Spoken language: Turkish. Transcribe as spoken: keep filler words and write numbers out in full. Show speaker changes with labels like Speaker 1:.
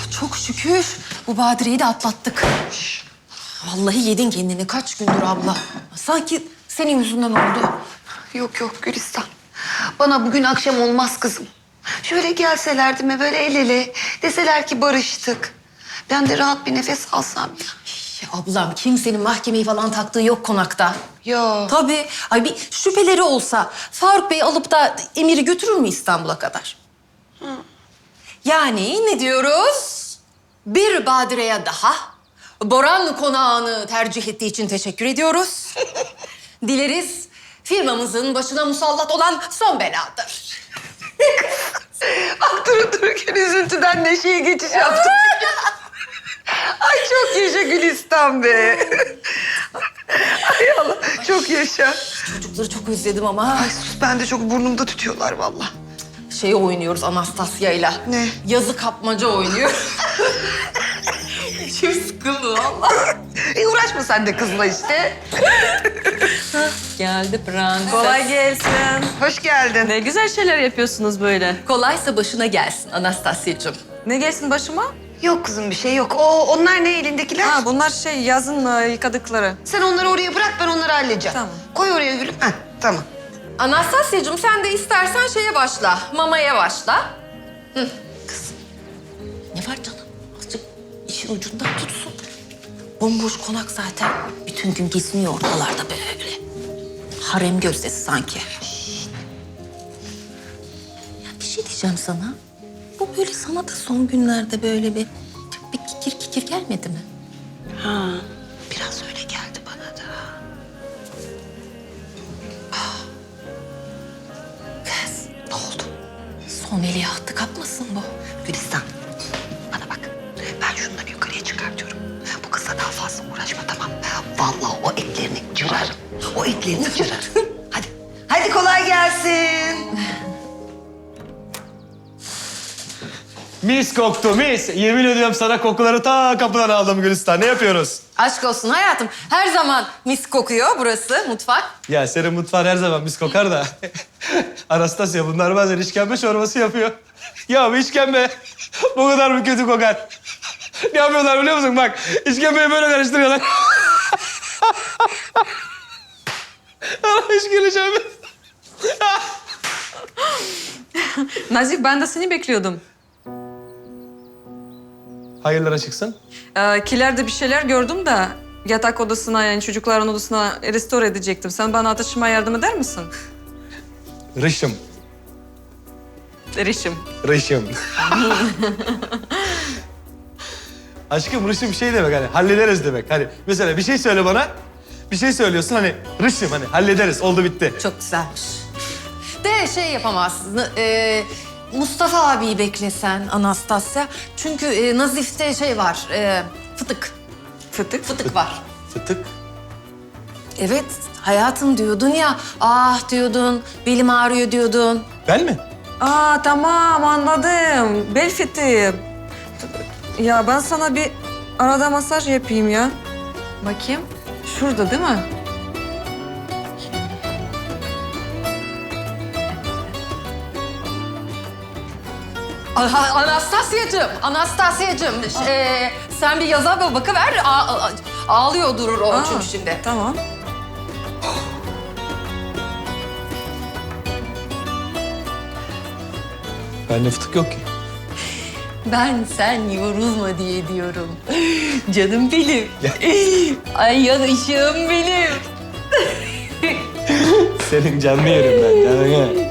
Speaker 1: Çok şükür bu badireyi de atlattık. Vallahi yedin kendini kaç gündür abla. Sanki senin yüzünden oldu.
Speaker 2: Yok yok Gülistan. Bana bugün akşam olmaz kızım. Şöyle gelselerdi mi böyle el ele deseler ki barıştık. Ben de rahat bir nefes alsam ya.
Speaker 1: Ya ablam kimsenin mahkemeyi falan taktığı yok konakta.
Speaker 2: Ya.
Speaker 1: Tabii. Ay bir şüpheleri olsa Faruk Bey alıp da Emir'i götürür mü İstanbul'a kadar? Hı. Yani ne diyoruz? Bir badireye daha Boran konağını tercih ettiği için teşekkür ediyoruz. Dileriz firmamızın başına musallat olan son beladır.
Speaker 2: Bak durup dururken üzüntüden neşeye geçiş yaptım. Ay çok yaşa Gülistan be. Ay Allah çok yaşa.
Speaker 1: Çocukları çok özledim ama.
Speaker 2: Ay sus ben de çok burnumda tutuyorlar vallahi.
Speaker 1: Şey oynuyoruz Anastasya'yla.
Speaker 2: Ne?
Speaker 1: Yazı kapmaca oynuyor. İçim sıkıldı valla.
Speaker 2: E uğraşma sen de kızla işte.
Speaker 1: Geldi prenses.
Speaker 3: Kolay gelsin.
Speaker 2: Hoş geldin.
Speaker 3: Ne güzel şeyler yapıyorsunuz böyle.
Speaker 1: Kolaysa başına gelsin Anastasya'cığım.
Speaker 3: Ne gelsin başıma?
Speaker 2: Yok kızım bir şey yok. O onlar ne elindekiler?
Speaker 3: Ha bunlar şey yazın e, yıkadıkları.
Speaker 2: Sen onları oraya bırak ben onları halledeceğim.
Speaker 3: Tamam.
Speaker 2: Koy oraya gülüm. Heh, tamam.
Speaker 1: Anastasya'cığım sen de istersen şeye başla. Mamaya başla. Hı. Kızım. Ne var canım? Azıcık işin ucundan tutsun. Bomboş konak zaten. Bütün gün geziniyor ortalarda böyle. Harem gözdesi sanki. Ya bir şey diyeceğim sana. Bu böyle sana da son günlerde böyle bir, bir kikir kikir gelmedi mi?
Speaker 2: Ha, biraz öyle geldi bana da.
Speaker 1: Kız ne oldu? Son veliahtı kapmasın bu.
Speaker 2: Gülistan bana bak. Ben şunları yukarıya çıkartıyorum. Bu kızla daha fazla uğraşma tamam. Vallahi o etlerini cırarım. O etlerini cırarım. Hadi. Hadi kolay gelsin.
Speaker 4: Mis koktu mis. Yemin ediyorum sana kokuları ta kapıdan aldım Gülistan. Ne yapıyoruz?
Speaker 1: Aşk olsun hayatım. Her zaman mis kokuyor burası mutfak.
Speaker 4: Ya senin mutfağın her zaman mis kokar da. Anastasya bunlar bazen işkembe çorbası yapıyor. Ya bu işkembe bu kadar mı kötü kokar? Ne yapıyorlar biliyor musun? Bak işkembeyi böyle karıştırıyorlar. Allah hiç güleceğim.
Speaker 3: Nazif ben de seni bekliyordum.
Speaker 4: Hayırlara çıksın.
Speaker 3: Ee, kilerde bir şeyler gördüm de yatak odasına yani çocukların odasına restore edecektim. Sen bana taşımaya yardım eder misin?
Speaker 4: Rışım.
Speaker 3: Erişim.
Speaker 4: Rışım. Aşkım rışım şey demek hani hallederiz demek. Hani mesela bir şey söyle bana. Bir şey söylüyorsun hani rışım hani hallederiz oldu bitti.
Speaker 1: Çok güzelmiş. De şey yapamazsın. E, Mustafa abiyi beklesen Anastasya. Çünkü e, Nazif'te şey var. E, fıtık.
Speaker 3: Fıtık.
Speaker 1: Fıtık var.
Speaker 4: Fıtık.
Speaker 1: Evet hayatım diyordun ya. Ah diyordun. Belim ağrıyor diyordun.
Speaker 4: Ben mi?
Speaker 3: Aa tamam anladım. Bel fıtığı. Ya ben sana bir arada masaj yapayım ya. Bakayım. Şurada değil mi?
Speaker 1: Aha, Anastasya'cığım, Anastasya'cığım. E, sen bir yaza bir bakıver. A- a- ağlıyor durur o
Speaker 3: Aa,
Speaker 1: çünkü şimdi.
Speaker 3: Tamam.
Speaker 4: Bende fıtık yok ki.
Speaker 1: Ben sen yorulma diye diyorum. Canım benim. Ay yanışığım benim.
Speaker 4: Senin canını yerim ben canını.